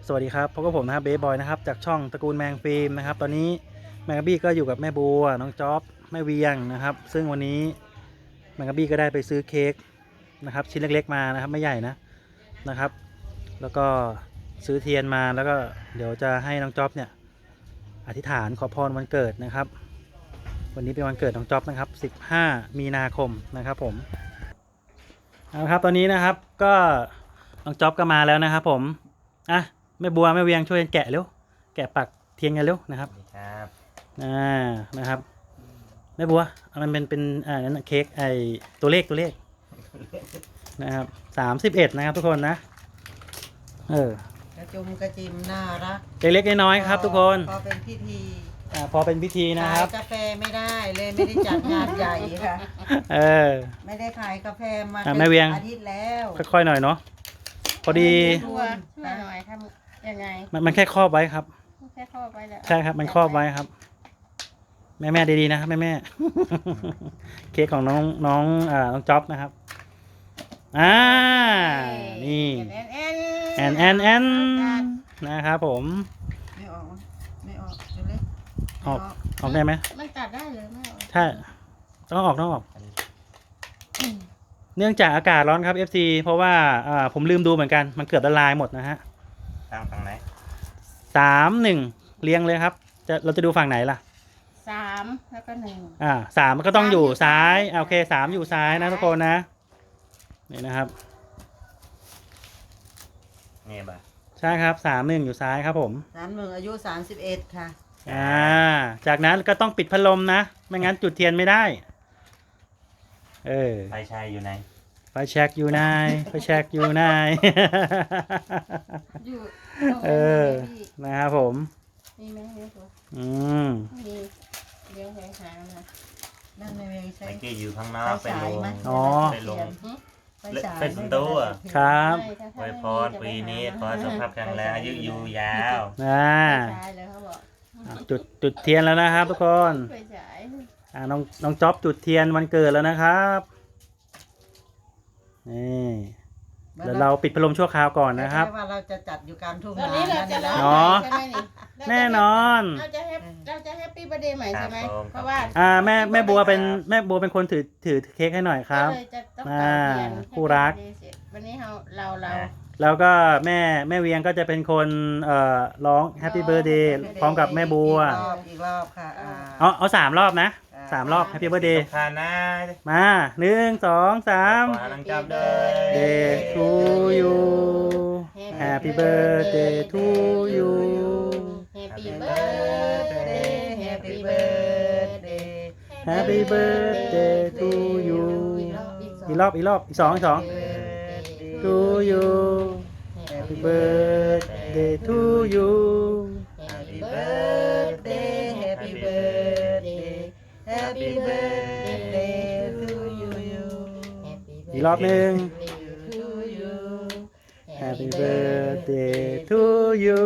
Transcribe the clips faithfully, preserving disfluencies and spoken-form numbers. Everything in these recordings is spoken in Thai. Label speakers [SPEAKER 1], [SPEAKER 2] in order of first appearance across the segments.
[SPEAKER 1] สวัสดีครับพบกับผมนะครับเบสบอยนะครับจากช่องตระกูลแมงฟิล์มนะครับตอนนี้แมงกะบี้ก็อยู่กับแม่บัวน้องจ๊อบแม่เวียงนะครับซึ่งวันนี้แมงกะบี้ก็ได้ไปซื้อเค้กนะครับชิ้นเล็กๆมานะครับไม่ใหญ่นะนะครับแล้วก็ซื้อเทียนมาแล้วก็เดี๋ยวจะให้น้องจ๊อบเนี่ยอธิษฐานขอพรวันเกิดนะครับวันนี้เป็นวันเกิดน้องจ๊อบนะครับสิบห้ามีนาคมนะครับผมเอาครับตอนนี้นะครับก็น้องจ๊อบก็มาแล้วนะครับผมอ่ะแม่บัวแม่เวียงช่วยแกะเร็วแกะปักเทียนกันเร็วนะครับ
[SPEAKER 2] ครับ
[SPEAKER 1] อ่านะครับแม่บัวมันเป็นเป็นอ่านั่นเค้กไอตัวเลขตัวเลขนะครับสามสิบเอ็ดนะครับทุกคนนะเออก
[SPEAKER 3] ระจุมกระจิมน่ารัก
[SPEAKER 1] เล็กๆน้อยๆครับทุกคน
[SPEAKER 3] พอเป็นพิธี
[SPEAKER 1] อ่าพอเป็นพิธีนะครับ
[SPEAKER 3] ขายกาแฟไม่ได้เลยไม่ได้จัดงานใหญ่ค่ะ
[SPEAKER 1] เออ
[SPEAKER 3] ไม่ได้ขายกาแฟมา
[SPEAKER 1] แม่เวียง
[SPEAKER 3] อาทิตย์แล้ว
[SPEAKER 1] ค่อยๆหน่อยเนาะพอดี
[SPEAKER 4] ช่วยช่วยหน่อยทำยังไง
[SPEAKER 1] มันมันแค่ครอบไว้ครับ
[SPEAKER 4] แค่ครอบไว้แล้ว
[SPEAKER 1] ใช่ครับมันครอบไว้ครับแม่แม่ดีๆนะครับแม่แม่ เค้กของน้องน้องอ่าน้องจ๊อบนะครับอ่านี่
[SPEAKER 4] แอนแอน
[SPEAKER 1] แอนแอนแอนนะครับผม
[SPEAKER 3] ไม่ออกไม่ออกเดี๋ยวเล็ก
[SPEAKER 1] ออกออกได้ไหม
[SPEAKER 4] มันตัดได้เลยไม่ออก
[SPEAKER 1] ใช่ต้องออกต้องออกเนื่องจากอากาศร้อนครับ เอฟ ซี เพราะว่าอ่าผมลืมดูเหมือนกันมันเกือบละลายหมดนะฮะ
[SPEAKER 2] ทางฝั่งไหน
[SPEAKER 1] สามหนึ่งเรียงเลยครับจะเราจะดูฝั่งไหนล่ะ
[SPEAKER 4] สามแล้วก็หนึ่ง
[SPEAKER 1] อ่าสามมันก็ต้องอยู่ซ้ายโอเคสามอยู่ซ้ายนะทุกคนนะนี่นะครับ
[SPEAKER 2] นี่บ่ะ
[SPEAKER 1] ใช่ครับสามหนึ่งอยู่ซ้ายครับผม
[SPEAKER 3] สามหนึ่งอายุสามสิบเอ็ดค่ะ
[SPEAKER 1] อ่าจากนั้นก็ต้องปิดพัดลมนะไม่งั้นจุดเทียนไม่ได้เออ
[SPEAKER 2] ไฟชายอยู่ไหน
[SPEAKER 1] ไฟแช็กอยู่ไหนไฟแช็กอยู่ไหน
[SPEAKER 4] อยู่
[SPEAKER 1] เออนะครับผม
[SPEAKER 4] มีไหมเลี้ยงตัว
[SPEAKER 1] อืม
[SPEAKER 4] มีเลี้ยงแหงหางนะ
[SPEAKER 3] นั่นไม่เวียงใช้
[SPEAKER 2] เมื่อกี้อยู่ข้างนอกไปลง
[SPEAKER 1] อ๋อ
[SPEAKER 2] ไปลง
[SPEAKER 3] ไปฉาย
[SPEAKER 2] เฟซบุ๊กตัว
[SPEAKER 1] ครับ
[SPEAKER 2] อวยพรปีนี้ขอสุขภาพแข็งแรงอายุยืนยาว
[SPEAKER 1] อ่า
[SPEAKER 4] ใช่เลยเขาบอก
[SPEAKER 1] จุดจุดเทียนแล้วนะครับทุกคน
[SPEAKER 4] ไปฉาย
[SPEAKER 1] อ่าน้องน้องจ๊อบจุดเทียนวันเกิดแล้วนะครับนี่เดี๋ยวเราปิดพัดลมชั่วคราวก่อนนะครับ
[SPEAKER 3] ว่าเราจะจัดอยู่กลางทุ่ง
[SPEAKER 4] ตอน
[SPEAKER 3] นา
[SPEAKER 4] นี้เราจะร้อง
[SPEAKER 1] เนาะ
[SPEAKER 4] ใช่ไหมนี่
[SPEAKER 1] แน่นอน
[SPEAKER 4] เราจะแฮปเราจะแฮปปี้เบอร์เดย์ใหม่ใช่ไหมเพราะว่า
[SPEAKER 1] อ่าแม่แม่บัวเป็นแม่บัวเป็นคนถือถือเค้กให้หน่อยครับ
[SPEAKER 4] ก็เลยจะต้อง
[SPEAKER 1] อ่า
[SPEAKER 4] เป่าเทียน
[SPEAKER 1] คู่รัก
[SPEAKER 4] วันนี้เราเราเรา
[SPEAKER 1] แล้วก็แม่แม่เวียงก็จะเป็นคนเอ่อร้อง Happy Birthday พร้อมกับแม่บัว
[SPEAKER 3] อีกรอบอีกรอบค่ะอ่า
[SPEAKER 1] เอาเอาสามรอบนะสามรอบ Happy Birthday
[SPEAKER 2] ทานนะ
[SPEAKER 1] มาหนึ่งสองสาม
[SPEAKER 2] ขอนังจับเลย
[SPEAKER 1] Day to you Happy Birthday to you
[SPEAKER 4] Happy birthday Happy birthday
[SPEAKER 1] Happy Birthday to you อีกรอบอีกรอบอีกสองอีกสอง to you Happy Birthday to you
[SPEAKER 4] Happy birthday Happy birthday
[SPEAKER 3] Happy birthday to you
[SPEAKER 1] อีกรอบหนึ่ง
[SPEAKER 3] to you
[SPEAKER 1] Happy birthday to you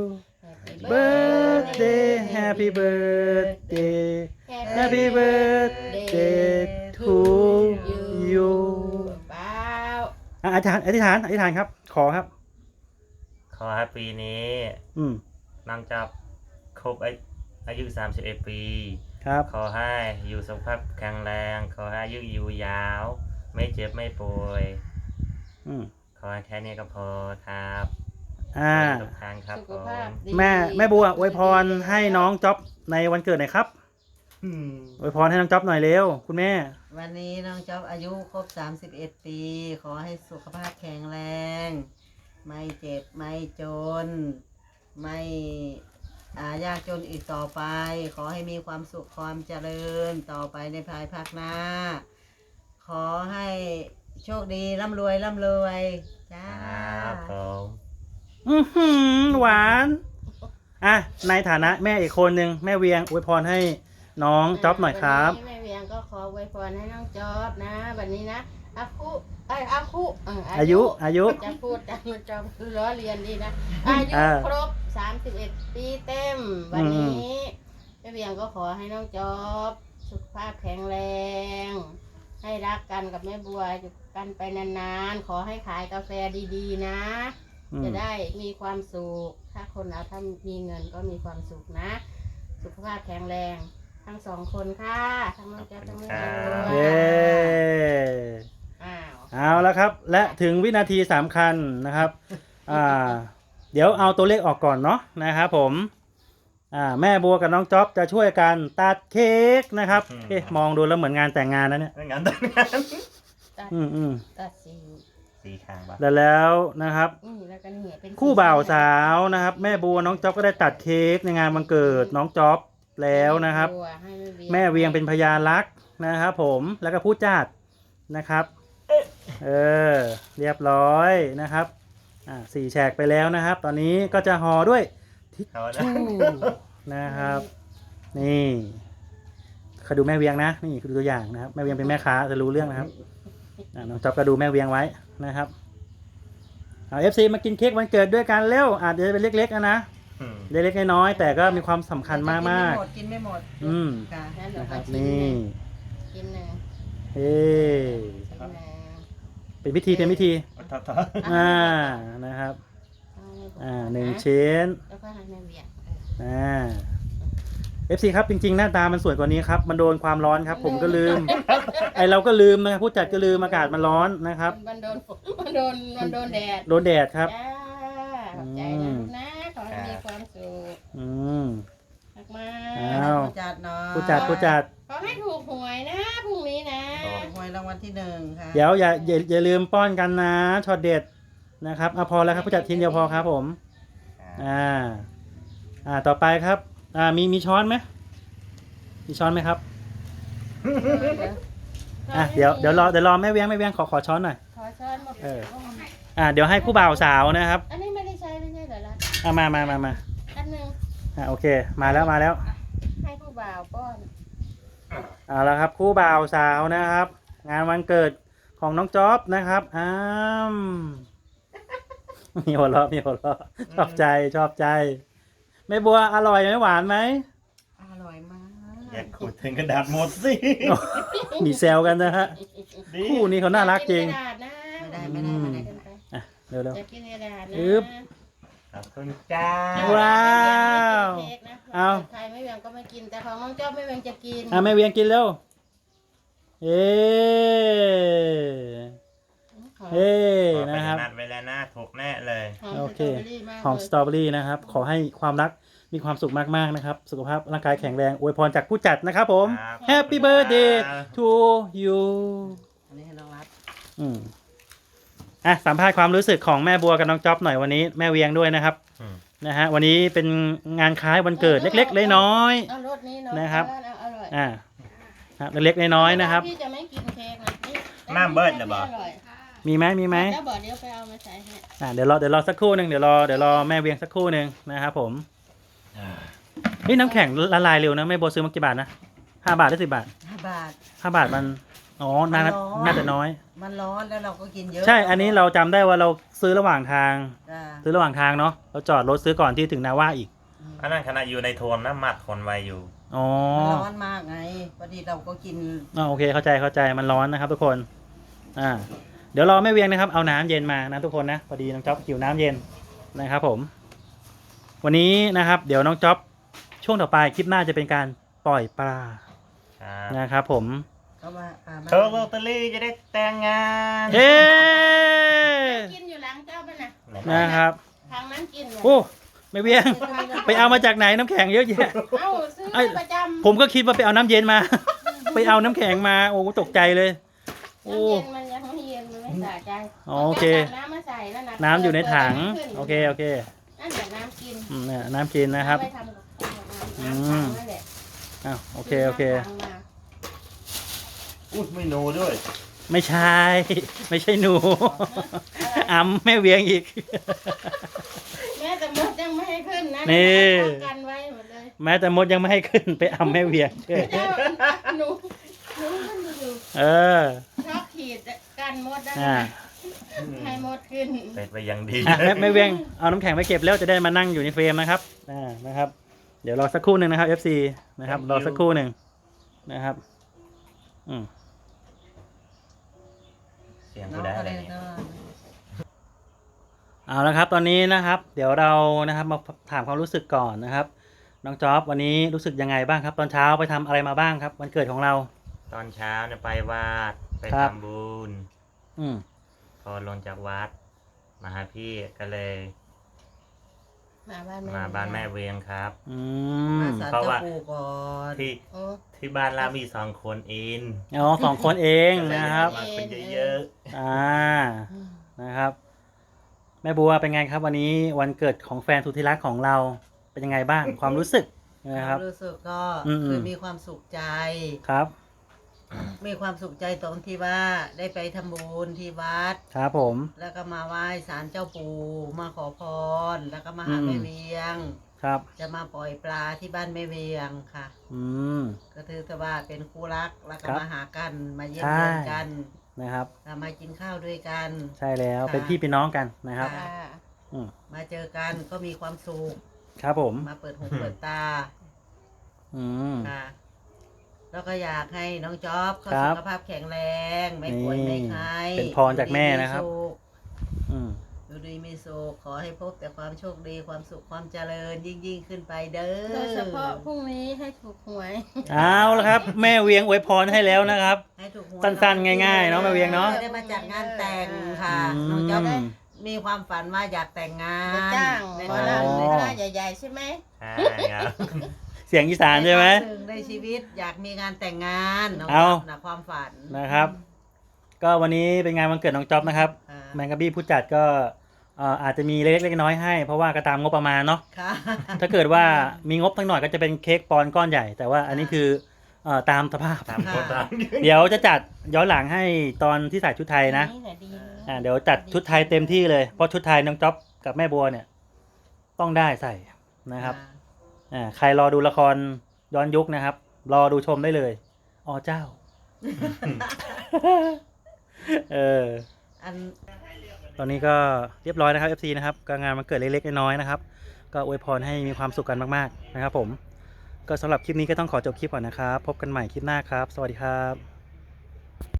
[SPEAKER 1] birthday Happy birthday Happy birthday to you
[SPEAKER 4] เปล่า
[SPEAKER 1] อ่ะอธิษฐานอธิษฐานอธิษฐานครับขอครับ
[SPEAKER 2] ขอให้ปีนี้
[SPEAKER 1] อืม
[SPEAKER 2] นังจับครบอายุสามสิบเอ็ดปี
[SPEAKER 1] ครับ
[SPEAKER 2] ขอให้อยู่สุขภาพแข็งแรงขอให้อายุยืนยาว ไม่เจ็บไม่ป่วย
[SPEAKER 1] อืม
[SPEAKER 2] ขอให้แค่นี้ก็พอครับ
[SPEAKER 1] อ่า
[SPEAKER 2] ทุกทางครับ
[SPEAKER 4] สุ
[SPEAKER 2] ผ
[SPEAKER 4] ข
[SPEAKER 2] ม
[SPEAKER 4] ภาพดี
[SPEAKER 1] แม่แม่บัวอวยพรให้น้องจ๊อบในวันเกิดหน่อยครับอวยพรให้น้องจ๊อบหน่อยเร็วคุณแม่
[SPEAKER 3] วันนี้น้องจ๊อบอายุครบสามสิบเอ็ดปี ขอให้สุขภาพแข็งแรง ไม่เจ็บไม่จน ไม่อายากจนอีกต่อไป ขอให้มีความสุขความเจริญต่อไปในภายภาคหน้า ขอให้โชคดีร่ำรวยร่ำรวยจ้า
[SPEAKER 2] ครับผม
[SPEAKER 1] อือหือหวานอ่ะในฐานะแม่อีกคนหนึ่งแม่เวียงอวยพรให้น้องจ๊อบหน่อยครับ
[SPEAKER 4] วันนี้แม่เวียงก็ขออวยพรให้น้องจ๊อบนะวันนี้นะอาคุไอยอาคุเ
[SPEAKER 1] อายุอายุ
[SPEAKER 4] จะพูดจำมันจำคือล้อเรียนดีนะอายุ
[SPEAKER 1] อ่า
[SPEAKER 4] ครบสามสิบเอ็ดปีเต็ม วันนี้แม่เวียงก็ขอให้น้องจ๊อบสุขภาพแข็งแรง ให้รักกันกับแม่บัวอยู่กันไปนานๆ ขอให้ขายกาแฟดีๆนะ
[SPEAKER 1] อืม
[SPEAKER 4] จะได้มีความสุขถ้าคนเราถ้ามีเงินก็มีความสุขนะ สุขภาพแข็งแรงทั้งสองคนค่ะทั้งน้องแจ๊คทั้งแม่ด้วย
[SPEAKER 1] เย้
[SPEAKER 4] อ้าว
[SPEAKER 1] เอาแล้วครับ และถึงวินาทีสำคัญนะครับอ่าเดี๋ยวเอาตัวเลขออกก่อนเนาะนะครับผมอ่าแม่บัวกับน้องจ๊อบจะช่วยกันตัดเค้กนะครับเอ๊ะมองดูแล้วเหมือนงานแต่งงานนะเนี่ย
[SPEAKER 2] ไม่งั้นต้องงาน
[SPEAKER 4] ตัด
[SPEAKER 1] อืมอืม
[SPEAKER 4] ตัดสี
[SPEAKER 2] สีคางปะ
[SPEAKER 1] แล้วแล้วนะครับ
[SPEAKER 4] อืมแล้วก็เนี่ยเป็น
[SPEAKER 1] คู่บ่าวสาวนะครับ แม่บัวน้องจ๊อบก็ได้ตัดเค้กในงานวันเกิดน้องจ๊อบแล้วนะครับ
[SPEAKER 4] ให้
[SPEAKER 1] แม่เวียงเป็นพยานรักนะครับผมแล้วก็ผู้จัดนะครับเออเรียบร้อยนะครับอ่าสี่แฉกไปแล้วนะครับ ตอนนี้ก็จะห่อด้วยทิช
[SPEAKER 2] เอาละ
[SPEAKER 1] ชู่นะครับ นี่เขาดูแม่เวียงนะนี่คือตัวอย่างนะครับแม่เวียงเป็นแม่ค้าจะรู้เรื่องนะครับอ่าน้องจ๊อบก็ดูแม่เวียงไว้นะครับเอาเอฟซีมากินเค้กวันเกิดด้วยกันเร็วอาจจะเป็นเล็กๆนะนะ
[SPEAKER 2] อืม
[SPEAKER 1] เล็กๆน้อยๆแต่ก็มีความสำคัญมาก
[SPEAKER 3] กินไม่หมด
[SPEAKER 1] ๆอืม
[SPEAKER 3] ค่ะ
[SPEAKER 4] งั้นเดี๋ยว
[SPEAKER 1] นะค
[SPEAKER 4] มา
[SPEAKER 1] รับ
[SPEAKER 4] กิน
[SPEAKER 1] นี่
[SPEAKER 4] กินหนึ่ง
[SPEAKER 1] เฮ้
[SPEAKER 4] กินหนึ่ง
[SPEAKER 1] เป็นพิธีเป็นพิธี
[SPEAKER 2] ทับทับ
[SPEAKER 1] อ่านะครับ
[SPEAKER 4] เอาให้ผม
[SPEAKER 1] อ่าหนึ่งชิ้น
[SPEAKER 4] แล้วก็ให้แม่เวียง
[SPEAKER 1] อ่าเอฟซีครับจริงๆหน้าตามันสวยกว่านี้ครับมันโดนความร้อนครับ ผมก็ลืม ไอเราก็ลืมนะครับผู้จัดก็ลืมอากาศมันร้อนนะครับ
[SPEAKER 4] มันโดนฝนมันโดนมันโดนแดด
[SPEAKER 1] โดนแดดครับ
[SPEAKER 4] จ้าขอบใจนะลูกนะขอให้มีความสุข
[SPEAKER 1] อืม
[SPEAKER 4] มาก
[SPEAKER 1] อ้าว
[SPEAKER 3] ผู้จัดเนาะ
[SPEAKER 1] ผู้จัดผู้จัด
[SPEAKER 4] ๆขอให้ถูกหวยนะพรุ่งนี้นะ
[SPEAKER 3] หวยรางวัลที่หนึ่งค่ะ
[SPEAKER 1] เดี๋ยวอย่าอย่าอย่าลืมป้อนกันนะช็อตเด็ดนะครับเอาพอแล้วครับผู้จัดทีมเดียวพอครับผมอ่าอ่าต่อไปครับอ่ามีมีช้อนไหมมีช้อนไหมครับอ่ะเดี๋ยวเดี๋ยวรอเดี๋ยวรอแม่เวียงแม่เวียงขอขอช้อนหน่อย
[SPEAKER 4] ขอช้อนหมด
[SPEAKER 1] เออ อ่าเดี๋ยวให้คู่บ่าวสาวนะครับ
[SPEAKER 4] อันนี้ไม่ได้ใช้ไม่ใช่เหรอล่ะ
[SPEAKER 1] อ่ามามามามา
[SPEAKER 4] อันหนึ่ง
[SPEAKER 1] อ่าโอเคมาแล้วมาแล้ว
[SPEAKER 4] ให้ผู้บ่าวป้อน
[SPEAKER 1] เอาละครับคู่บ่าวสาวนะครับ งานวันเกิดของน้องจ๊อบนะครับอ้ามมีหัวเราะมีหัวเราะชอบใจชอบใจแม่บัวอร่อยไหมหวานไหม
[SPEAKER 3] อร่อยมาก
[SPEAKER 2] อย่าขุดถึงกระดาษหมดสิ
[SPEAKER 1] มีแซวกันนะฮะ
[SPEAKER 2] ดี
[SPEAKER 1] คู่นี้เขาน่ารักจริง
[SPEAKER 4] อยากกินกระดาษนะ
[SPEAKER 3] ไม่ได้ไม่ได้ไม่ได้
[SPEAKER 4] เกินไป
[SPEAKER 1] อ่ะเร็วเร็ว
[SPEAKER 4] อยากกินกระดาษนะ
[SPEAKER 1] อึ๊บ
[SPEAKER 2] ขอบคุณจ้า
[SPEAKER 1] ว้าว
[SPEAKER 4] เค้กนะ
[SPEAKER 1] เอา
[SPEAKER 4] ใครไม่เวียงก็ไม่กินแต่ของน้องเจ้าไม่เวียงจะกิน
[SPEAKER 1] อ่ะแม่เวียงกินเร็วเอ๊เฮ้
[SPEAKER 2] ขอไป
[SPEAKER 1] นะครับ
[SPEAKER 2] นัดไว้แล้วนะถูกแน่เลย
[SPEAKER 1] โอเค
[SPEAKER 4] ห
[SPEAKER 1] ห
[SPEAKER 4] อ
[SPEAKER 1] อ
[SPEAKER 4] ม
[SPEAKER 1] ม
[SPEAKER 4] ส
[SPEAKER 1] ส
[SPEAKER 4] ต
[SPEAKER 1] ต
[SPEAKER 4] ร
[SPEAKER 1] ร
[SPEAKER 4] อ
[SPEAKER 1] อ
[SPEAKER 4] เบ
[SPEAKER 1] เบ
[SPEAKER 4] อ
[SPEAKER 1] อ
[SPEAKER 4] รี่
[SPEAKER 1] รี่นะครับ ขอให้ความรักมีความสุขมากๆนะครับ สุขภาพร่างกายแข็งแรงอวยพรจากผู้จัดนะครับผม
[SPEAKER 2] ครับ
[SPEAKER 1] Happy birthday to you
[SPEAKER 3] อันนี้ให้น้องรัฐ
[SPEAKER 1] อืมอ่ะสัมภาษณ์ความรู้สึกของแม่บัวกับน้องจ๊อบหน่อยวันนี้แม่เวียงด้วยนะครับ
[SPEAKER 2] อืม
[SPEAKER 1] นะฮะวันนี้เป็นงานคล้ายวันเกิดเล็กๆน้อย
[SPEAKER 4] เอารสนี้เนาะ
[SPEAKER 1] นะครับ
[SPEAKER 4] เอาอร่อย
[SPEAKER 1] ๆอ่าครับเล็กๆน้อยๆนะครับ
[SPEAKER 4] พี่จะไม่กินเค้กนะนี่
[SPEAKER 2] น้ำเบิดเหรอบอก
[SPEAKER 4] ร่อย
[SPEAKER 1] มีไหมมีไหม
[SPEAKER 4] แล้วบอกเดี๋ยวไปเอามาใส่ให้
[SPEAKER 1] อ่าเดี๋ยวรอเดี๋ยวรอสักครู่หนึ่งเดี๋ยวรอเดี๋ยวรอแม่เวียงสักครู่หนึ่งนะครับผมนี่น้ำแข็งละลายเร็วนะแม่บัวซื้อมากี่บาทนะห้าบาทหรือสิบบาท
[SPEAKER 3] ห้าบาท
[SPEAKER 1] ห้าบาทมันอ๋อน่า
[SPEAKER 3] มันร้อน
[SPEAKER 1] น่าจะน้อย
[SPEAKER 3] มันร้อนแล้วเราก็กินเยอะ
[SPEAKER 1] ใช่ อันนี้เราจำได้ว่าเราซื้อระหว่างทาง
[SPEAKER 3] จ้า
[SPEAKER 1] ซื้อระหว่างทางเนาะ เราจอดรถซื้อก่อนที่ถึงนาว่าอีก
[SPEAKER 2] อันนั้นขณะอยู่ในโทนน้ำมัดคนไวอยู่
[SPEAKER 1] อ๋อ
[SPEAKER 3] มันร้อนมากไงพอดีเราก็กิน
[SPEAKER 1] อ๋อโอเค เข้าใจ เข้าใจ มันร้อนนะครับทุกคน อ่า เดี๋ยวรอแม่เวียงนะครับ เอาน้ำเย็นมานะทุกคนนะ พอดีน้องจ๊อบหิวน้ำเย็นนะครับผม วันนี้นะครับ เดี๋ยวน้องจ๊อบช่วงต่อไปคลิปหน้าจะเป็นการปล่อยปลา
[SPEAKER 2] ครับ
[SPEAKER 1] นะครับผม
[SPEAKER 3] ก็ว่าปลาบ้าน
[SPEAKER 2] เธอโรตารี่จะได้แต่งงาน
[SPEAKER 1] เฮ้
[SPEAKER 4] กินอยู่หลังเจ้าป่ะนะ
[SPEAKER 1] นะครับ
[SPEAKER 4] ทางนั้นกินเลย
[SPEAKER 1] โอ้แม่เวียง ไปเอามาจากไหนน้ำแข็งเยอะแยะ
[SPEAKER 4] เอ้าซื้อ
[SPEAKER 1] ไอ้
[SPEAKER 4] ประจำ
[SPEAKER 1] ผมก็คิดว่าไปเอาน้ำเย็นมา ไปเอาน้ำแข็งมา โอ้ตกใจเลย โอ้
[SPEAKER 4] น้ำเย็นมันยังไม่เย็นมันไม่สะใจ
[SPEAKER 1] อ๋อโอเค
[SPEAKER 4] าน้ำมาใส่แล้วนะ
[SPEAKER 1] น้ำอยู่ในถัง
[SPEAKER 4] ปิด
[SPEAKER 1] โอเค โอเค
[SPEAKER 4] นั่นแหละน้ำกิน
[SPEAKER 1] อืมเนี่ยน้ำกินนะครับ
[SPEAKER 4] เอาไปทำกับข้าว
[SPEAKER 1] อื
[SPEAKER 4] น้ำ
[SPEAKER 1] ม
[SPEAKER 4] ถังนั่นแหละ
[SPEAKER 1] อ้าวโอเค โอเค
[SPEAKER 4] น้ำถังมา
[SPEAKER 2] อุ้ยไม่โนด้วย
[SPEAKER 1] ไม่ใช่ ไม่ใช่หนูอ้ำแม่เวียงอีก
[SPEAKER 4] แม่แต่มดยังไม่ให้ขึ้นนะ
[SPEAKER 1] นี่
[SPEAKER 4] ป้องกันไว้หมดเลย
[SPEAKER 1] แม้แต่มดยังไม่ให้ขึ้นไปอ้ำแม่เวียง
[SPEAKER 4] เจ้าหนูหนูมันอยู่
[SPEAKER 1] เออ
[SPEAKER 4] ชอบขีดกันมดได้
[SPEAKER 1] อ่า
[SPEAKER 4] ให้มดขึ้น
[SPEAKER 2] เป็นไปอยังดี
[SPEAKER 1] อ่ะแม่แม่เวียง เอาน้ำแข็งไปเก็บแล้วจะได้มานั่งอยู่ในเฟรมนะครับ อ่า นะครับ เดี๋ยวรอสักครู่หนึ่งนะครับ เอฟ ซี นะครับ รอสักครู่หนึ่งนะครับ อืม
[SPEAKER 2] เสียง
[SPEAKER 3] น้
[SPEAKER 2] กู
[SPEAKER 3] อง
[SPEAKER 2] ได้
[SPEAKER 3] ก็
[SPEAKER 2] อะไร
[SPEAKER 3] เลย
[SPEAKER 2] เนี่ย
[SPEAKER 3] เนาะ
[SPEAKER 1] เอาละครับตอนนี้นะครับเดี๋ยวเรานะครับมาถามความรู้สึกก่อนนะครับน้องจ๊อบวันนี้รู้สึกยังไงบ้างครับ ตอนเช้าไปทำอะไรมาบ้างครับวันเกิดของเรา
[SPEAKER 2] ตอนเช้าเนี่ยไปวัดไป
[SPEAKER 1] ครับ
[SPEAKER 2] ทำบุญ
[SPEAKER 1] อืม
[SPEAKER 2] พอลงจากวัดมาหาพี่ก็เลย
[SPEAKER 4] มาบ้านแม่
[SPEAKER 2] มาบ้านแม่เวียงครับ
[SPEAKER 1] อื
[SPEAKER 3] มาม ศาล
[SPEAKER 2] เพราะ
[SPEAKER 3] เจ้า
[SPEAKER 2] ว่า
[SPEAKER 3] ปู่ก่อน
[SPEAKER 2] ที่
[SPEAKER 4] โอ้
[SPEAKER 2] ที่บ้านเรามีสองคนเอง
[SPEAKER 1] อ๋อสองคนเองนะครับ
[SPEAKER 2] มาคนเยอะ
[SPEAKER 1] อ่านะครับ แม่บัวเป็นไงครับ วันนี้วันเกิดของแฟนสุดที่รักของเราเป็นยังไงบ้าง ความรู้สึกนะครับ
[SPEAKER 3] รู้สึกก็
[SPEAKER 1] อืม
[SPEAKER 3] คือมีความสุขใจ
[SPEAKER 1] ครับ
[SPEAKER 3] มีความสุขใจตรงที่ว่าได้ไปทำบุญที่วัด
[SPEAKER 1] ครับผม
[SPEAKER 3] แล้วก็มาไหว้ศาลเจ้าปู่มาขอพร แล้วก็มาหา
[SPEAKER 1] อืม
[SPEAKER 3] แม่เวียง
[SPEAKER 1] ครับ
[SPEAKER 3] จะมาปล่อยปลาที่บ้านแม่เวียงค่ะ
[SPEAKER 1] อืม
[SPEAKER 3] ก็ถือแต่ว่าเป็นคู่รักแล้วก็
[SPEAKER 1] ครับ
[SPEAKER 3] มาหากันมาเยี่ยม
[SPEAKER 1] ใช่
[SPEAKER 3] เยียนกัน
[SPEAKER 1] นะครับ
[SPEAKER 3] แล้วมากินข้าวด้วยกัน
[SPEAKER 1] ใช่แล้ว
[SPEAKER 3] ค่ะ
[SPEAKER 1] เป็นพี่เป็นน้องกันนะครับ
[SPEAKER 3] ค่ะ
[SPEAKER 4] ค่ะ
[SPEAKER 1] อืม
[SPEAKER 3] มาเจอกันก็มีความสุข
[SPEAKER 1] ครับผม
[SPEAKER 3] มาเปิดหูเปิดตา
[SPEAKER 1] อืม
[SPEAKER 3] ค่ะ แล้วก็อยากให้น้องจ๊อบเขา
[SPEAKER 1] ครั
[SPEAKER 3] สุ
[SPEAKER 1] บ
[SPEAKER 3] ขภาพแข็งแรง ไม่ป่วยไม่ไข้
[SPEAKER 1] เป็นพรจากแม่นะครับ
[SPEAKER 3] อยู่ดีมีสุข
[SPEAKER 1] อืม
[SPEAKER 3] อยู่ดีมีสุขขอให้พบแต่ความโชคดีความสุขความเจริญยิ่งยิ่งขึ้นไปเด้อ
[SPEAKER 4] โดยเฉพาะพรุ่งนี้ให้ถูกหวย
[SPEAKER 1] เอาละครับ แม่เวียงอวยพรให้แล้วนะครับ
[SPEAKER 3] ให้ถูกหวย
[SPEAKER 1] สั้นๆง่ายๆเนาะแม่เวียงเนาะ
[SPEAKER 3] จะได้มาจัดงานแต่งค่ะ
[SPEAKER 1] อืม
[SPEAKER 3] น้องจ๊อบมีความฝันว่าอยากแต่งงาน
[SPEAKER 4] จะจ้าง
[SPEAKER 3] ใน
[SPEAKER 4] หมอ
[SPEAKER 3] ครั้ง
[SPEAKER 4] ลำ
[SPEAKER 3] ห
[SPEAKER 4] ใน
[SPEAKER 3] นึ่ง
[SPEAKER 4] คณะใหญ่ๆใช่ไหม
[SPEAKER 2] ๆใช่ครับ
[SPEAKER 1] เสียงอีสานใช่ไหม
[SPEAKER 3] ในครั้งนึ่งในชีวิตอยากมีงานแต่งงานน้อง
[SPEAKER 1] เอา
[SPEAKER 3] จ๊อบนะความฝัน
[SPEAKER 1] นะครับ ก็วันนี้เป็นงานวันเกิดน้องจ๊อบนะครับ
[SPEAKER 3] ค่ะ
[SPEAKER 1] แมงกะบี้ผู้จัดก็เอ่ออาจจะมีเล็กๆน้อยๆให้ เพราะว่าก็ตามงบประมาณเนาะ
[SPEAKER 3] ค่ะ
[SPEAKER 1] ถ้าเกิดว่ามีงบทั้งหน่อยก็จะเป็นเค้กปอนด์ก้อนใหญ่ แต่ว่าอันนี้คือเอ่อตามสภาพ
[SPEAKER 2] ตามคนตาม
[SPEAKER 1] เดี๋ยวจะจัดย้อนหลังให้ตอนที่ใส่ชุดไทยนะ
[SPEAKER 4] นี่แหละดีเลย
[SPEAKER 1] อ่าเดี๋ยวจัดชุดไทยเต็มที่เลย เพราะชุดไทยน้องจ๊อบกับแม่บัวเนี่ย ต้องได้ใส่นะครับอ่าใครรอดูละครย้อนยุคนะครับ รอดูชมได้เลยอ๋อเจ้า เออ
[SPEAKER 3] อัน
[SPEAKER 1] ตอนนี้ก็เรียบร้อยนะครับ เอฟ ซี นะครับก็งานมันเกิดเล็กๆน้อยๆนะครับ ก็อวยพรให้มีความสุขกันมากๆนะครับผม ก็สำหรับคลิปนี้ก็ต้องขอจบคลิปก่อนนะครับ พบกันใหม่คลิปหน้าครับ สวัสดีครับ